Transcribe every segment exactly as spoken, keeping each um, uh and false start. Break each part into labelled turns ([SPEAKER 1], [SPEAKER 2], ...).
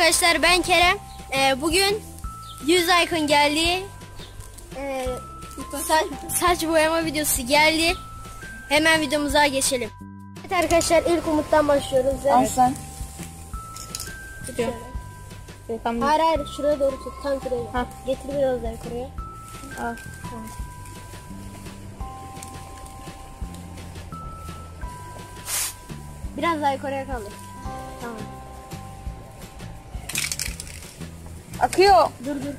[SPEAKER 1] arkadaşlar, ben Kerem. Ee, bugün yüz like'ın geldiği e, sa saç boyama videosu geldi. Hemen videomuza geçelim. Evet arkadaşlar, ilk Umut'tan başlıyoruz.
[SPEAKER 2] Aslan.
[SPEAKER 1] Tutuyor.
[SPEAKER 2] Evet, tamam.
[SPEAKER 1] Hayır hayır, şuraya doğru tut. Tam şuraya.
[SPEAKER 2] Ha.
[SPEAKER 1] Getir biraz daha yukarıya.
[SPEAKER 2] Al.
[SPEAKER 1] Tamam. Biraz daha yukarıya kaldır. Tamam.
[SPEAKER 2] Akıyor.
[SPEAKER 1] Dur dur.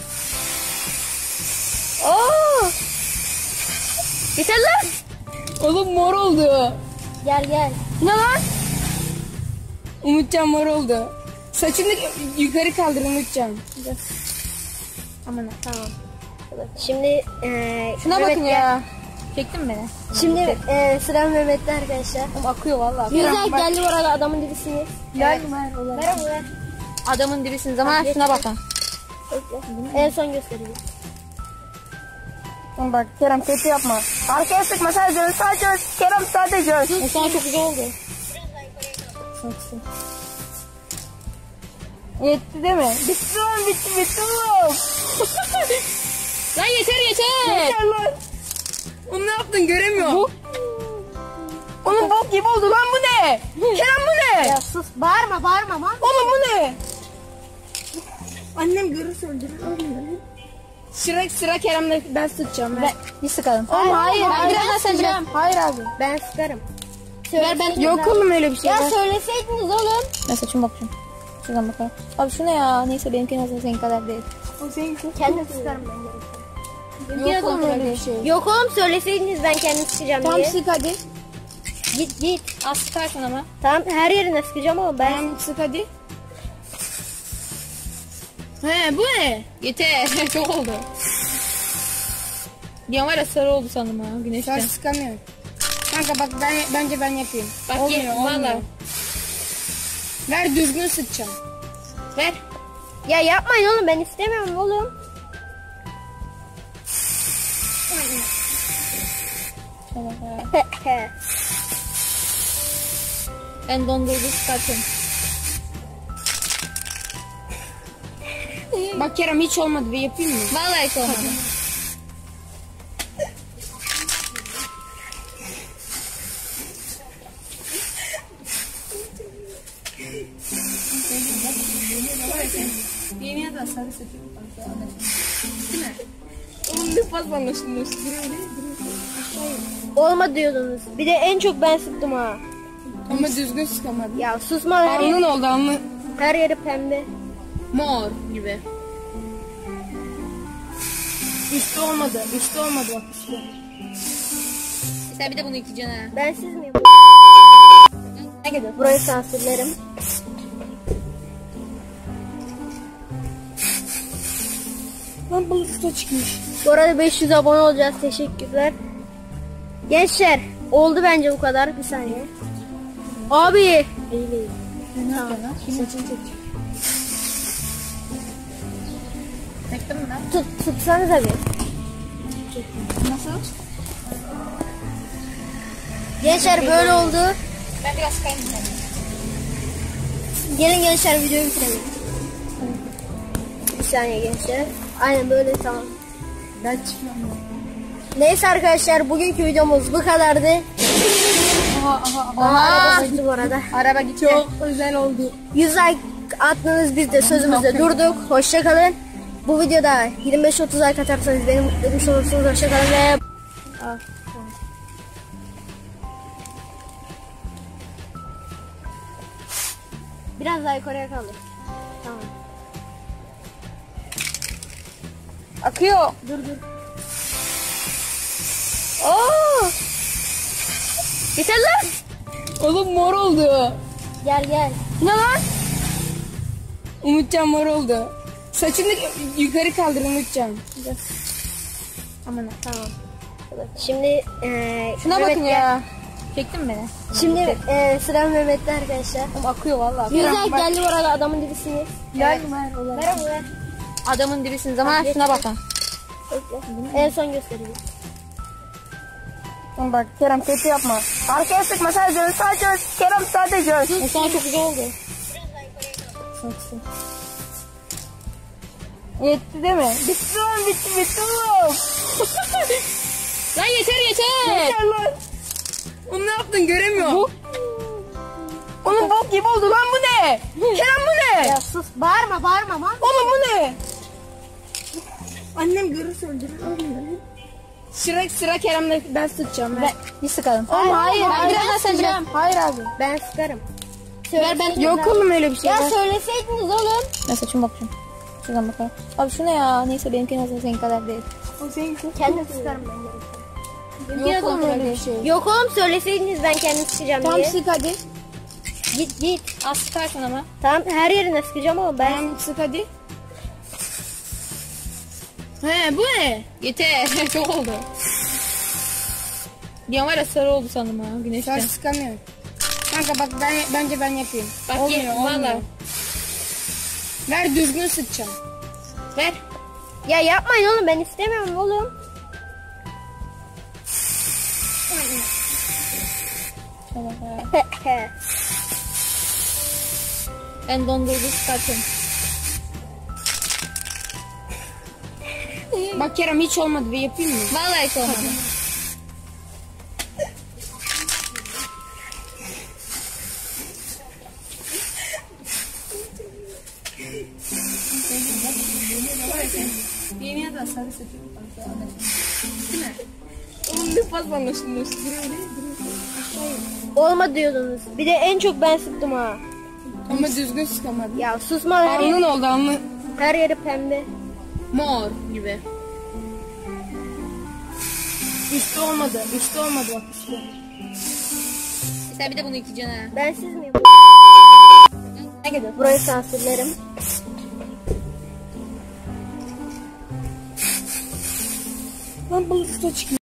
[SPEAKER 2] Oo! Yeter lan. Oğlum mor oldu.
[SPEAKER 1] Gel gel.
[SPEAKER 2] Ne lan? Umutcan mor oldu. Saçını yukarı kaldır Umutcan.
[SPEAKER 1] Aman tamam. Şimdi e,
[SPEAKER 2] Şuna
[SPEAKER 1] Mehmet
[SPEAKER 2] bakın
[SPEAKER 1] gel.
[SPEAKER 2] ya. Çektin mi beni?
[SPEAKER 1] Şimdi e, sıra Mehmet'te arkadaşlar.
[SPEAKER 2] Oğlum akıyor vallahi.
[SPEAKER 1] Güzel geldi bu arada, adamın dibisiniz.
[SPEAKER 2] Ver ver olur.
[SPEAKER 1] Ver onu ver.
[SPEAKER 2] Adamın dibisiniz ama
[SPEAKER 1] Ha,
[SPEAKER 2] şuna bakın.
[SPEAKER 1] Bekle. En son göstereyim.
[SPEAKER 2] Bak Kerem kötü yapma. Arkaya sıkma sadece sadece Kerem sadece. Bu sana çok güzel oldu. Sıksın. Yetti değil mi? Bitti lan bitti bitti oğlum. Lan yeter yeter. Yeter lan. Onu ne yaptın göremiyorum. Bu. Onun bok gibi oldu lan, bu ne? Kerem bu ne?
[SPEAKER 1] Ya sus, bağırma bağırma lan.
[SPEAKER 2] Oğlum bu ne? Annem görürse öldürür. Sıra sıra Kerem'le ben sıkacağım. Ben. Bir sıkalım.
[SPEAKER 1] Oğlum, hayır,
[SPEAKER 2] hayır.
[SPEAKER 1] hayır,
[SPEAKER 2] Biraz sen
[SPEAKER 1] sıkacağım.
[SPEAKER 2] Hayır abi.
[SPEAKER 1] Ben sıkarım.
[SPEAKER 2] Ver ben. Yok oğlum öyle bir şey.
[SPEAKER 1] Ya
[SPEAKER 2] Ver.
[SPEAKER 1] söyleseydiniz oğlum.
[SPEAKER 2] Ben saçıma bakacağım. Şuradan bakalım. Abi şu ne ya? Neyse benimki nasıl senin kadar değil. O seninki.
[SPEAKER 1] Kendim sıkarım ben.
[SPEAKER 2] Yok oğlum öyle bir şey.
[SPEAKER 1] Yok oğlum, söyleseydiniz ben kendim sıkacağım
[SPEAKER 2] Tamam
[SPEAKER 1] diye.
[SPEAKER 2] sık hadi.
[SPEAKER 1] Git git.
[SPEAKER 2] Az sıkarsın ama.
[SPEAKER 1] Tamam, her yerine sıkacağım ama ben.
[SPEAKER 2] Tamam sık hadi. He bu ne? Yeter. Çok oldu. Bir an var ya sarı oldu sandım ha güneşten.
[SPEAKER 3] Saç sıkamıyorum. Kanka bak ben bence ben yapayım.
[SPEAKER 2] Bak
[SPEAKER 3] Olmuyor,
[SPEAKER 2] ye,
[SPEAKER 3] olmuyor.
[SPEAKER 2] valla.
[SPEAKER 3] Ver düzgün sıkacağım.
[SPEAKER 2] Ver.
[SPEAKER 1] Ya yapmayın oğlum, ben istemiyorum oğlum.
[SPEAKER 2] Ben dondurdu sıkartım.
[SPEAKER 3] Bak Kerem hiç olmadı, bir yapayım mı?
[SPEAKER 2] Vallahi hiç olmadı.
[SPEAKER 3] Yeni da sarı sıkıyorum. Değil mi? Oğlum ne fazla anlaşılmıyorsun.
[SPEAKER 1] Olmadı diyordunuz. Bir de en çok ben sıktım ha.
[SPEAKER 3] Ama düzgün sıkamadım.
[SPEAKER 1] Ya susma, her,
[SPEAKER 3] Alnın
[SPEAKER 1] yeri,
[SPEAKER 3] oldu alnın.
[SPEAKER 1] her yeri pembe.
[SPEAKER 2] Mor gibi.
[SPEAKER 3] Üstü olmadı. Üstü olmadı bak üstü.
[SPEAKER 2] Sen bir de bunu yıkayacaksın ha.
[SPEAKER 1] Ben siz miyim?
[SPEAKER 2] Ne gidiyor?
[SPEAKER 1] Burayı sansürlerim.
[SPEAKER 3] Lan balık usta çıkmış.
[SPEAKER 1] Bu arada beş yüz abone olacağız. Teşekkürler. Gençler, oldu bence bu kadar. Bir saniye. Abi. İyi değil.
[SPEAKER 3] Ne yapıyorsun lan? Saçını çek.
[SPEAKER 2] Çektin mi lan?
[SPEAKER 1] Tut, tutsanıza bir.
[SPEAKER 3] Nasıl?
[SPEAKER 1] Gençler böyle oldu.
[SPEAKER 2] Ben biraz sıkayım.
[SPEAKER 1] Gelin gençler, videoyu bitirelim. Bir saniye gençler. Aynen böyle, tamam.
[SPEAKER 3] Ben çıkmıyorum.
[SPEAKER 1] Neyse arkadaşlar, bugünkü videomuz bu kadardı.
[SPEAKER 3] Aha aha aha.
[SPEAKER 1] Aa, araba sıktı bu arada.
[SPEAKER 2] Araba gitti.
[SPEAKER 3] Çok özel oldu.
[SPEAKER 1] yüz like attınız, biz de sözümüzde durduk. Hoşça kalın. Bu videoda yirmi beş otuz like atarsanız beni mutlu etmiş olursunuz. Hoşça kalın ve... Aa, tamam. Biraz daha yukarıya kaldır. Tamam.
[SPEAKER 2] Akıyor.
[SPEAKER 1] Dur dur.
[SPEAKER 2] Oo! Yeter lan.
[SPEAKER 3] Oğlum mor oldu.
[SPEAKER 1] Gel gel.
[SPEAKER 3] Ne lan? Umutcan mor oldu. Saçını yukarı kaldır Umutcan.
[SPEAKER 1] Aman tamam. Şimdi e,
[SPEAKER 2] Şuna
[SPEAKER 1] Mehmet
[SPEAKER 2] bakın
[SPEAKER 1] gel.
[SPEAKER 2] ya. Çektin mi beni?
[SPEAKER 1] Şimdi e, sıra Mehmet'te arkadaşlar.
[SPEAKER 2] Oğlum akıyor vallahi.
[SPEAKER 1] Güzel geldi bu arada, adamın dibisiniz.
[SPEAKER 3] Ver ver olur.
[SPEAKER 1] Ver onu ver.
[SPEAKER 2] Adamın dibisiniz ama şuna bakın.
[SPEAKER 1] Bekle. En son göstereyim.
[SPEAKER 2] Bak Kerem kötü yapma. Arkaya sıkma sadece sadece Kerem sadece. Bu sana çok güzel oldu. kısım kısım. Yetti değil mi? Bitti lan bitti bitti oğlum.
[SPEAKER 3] Lan yeter yeter.
[SPEAKER 2] Yeter lan.
[SPEAKER 3] Onu ne yaptın göremiyorum.
[SPEAKER 2] Bu. Onun bok gibi oldu lan bu ne? Kerem bu ne?
[SPEAKER 1] Ya sus bağırma bağırma lan.
[SPEAKER 2] Oğlum bu ne?
[SPEAKER 3] Annem görürse öldürür. Sıra sıra Kerem'le ben sıkacağım. Ben.
[SPEAKER 2] Bir sıkalım.
[SPEAKER 1] Oğlum, hayır,
[SPEAKER 2] hayır.
[SPEAKER 1] hayır,
[SPEAKER 2] Birazdan sen
[SPEAKER 1] sıcağım.
[SPEAKER 2] Hayır abi.
[SPEAKER 1] Ben sıkarım.
[SPEAKER 3] Ver ben.
[SPEAKER 1] Söyleseydiniz
[SPEAKER 2] Yok
[SPEAKER 1] abi.
[SPEAKER 2] oğlum öyle bir şey.
[SPEAKER 1] Ya
[SPEAKER 2] Ben-
[SPEAKER 1] söyleseydiniz oğlum.
[SPEAKER 2] Ben saçıma bakacağım. Şuradan bakalım. Abi şu ne ya? Neyse benimki nasıl senin kadar değil.
[SPEAKER 1] Kendim sıkarım ben.
[SPEAKER 2] Yok oğlum öyle bir şey.
[SPEAKER 1] Yok oğlum söyleseydiniz ben kendim sıkacağım
[SPEAKER 2] Tamam
[SPEAKER 1] diye.
[SPEAKER 2] sık hadi.
[SPEAKER 1] Git git.
[SPEAKER 2] Az sıkarsın ama.
[SPEAKER 1] Tamam her yerine sıkacağım ama ben.
[SPEAKER 2] Tamam sık hadi.
[SPEAKER 3] He bu ne?
[SPEAKER 2] Yeter. Çok oldu. Bir an var ya sarı oldu sandım ha güneşten.
[SPEAKER 3] Ben sıkamıyorum. Kanka bak ben bence ben yapayım.
[SPEAKER 2] Bak
[SPEAKER 3] olmuyor,
[SPEAKER 2] ye,
[SPEAKER 3] olmuyor.
[SPEAKER 2] valla.
[SPEAKER 3] Ver düzgün sıkacağım.
[SPEAKER 2] Ver.
[SPEAKER 1] Ya yapmayın oğlum ben istemiyorum oğlum.
[SPEAKER 2] Tamam ha. Ben dondurdu sıkartım.
[SPEAKER 3] Bak Kerem hiç olmadı bir yapayım mı?
[SPEAKER 2] Vallahi hiç olmadı.
[SPEAKER 3] Yemeğe de sarı sıkıyorum. Değil mi? Onun ne fazla anlaşılmıyorsun.
[SPEAKER 1] Olma diyordunuz. Bir de en çok ben sıktım ha.
[SPEAKER 3] Ama düzgün sıkamadım.
[SPEAKER 1] Ya susma her,
[SPEAKER 3] Alnın
[SPEAKER 1] yeri,
[SPEAKER 3] oldu alnın.
[SPEAKER 1] her yeri pembe.
[SPEAKER 3] Mor gibi. İşte olmadı. İşte olmadı bak işte.
[SPEAKER 2] Sen bir de bunu yıkayacaksın ha.
[SPEAKER 1] Ben siz miyim?
[SPEAKER 2] Ne gidiyor?
[SPEAKER 1] Burayı sansürlerim.
[SPEAKER 3] Lan balık da çıkıyor.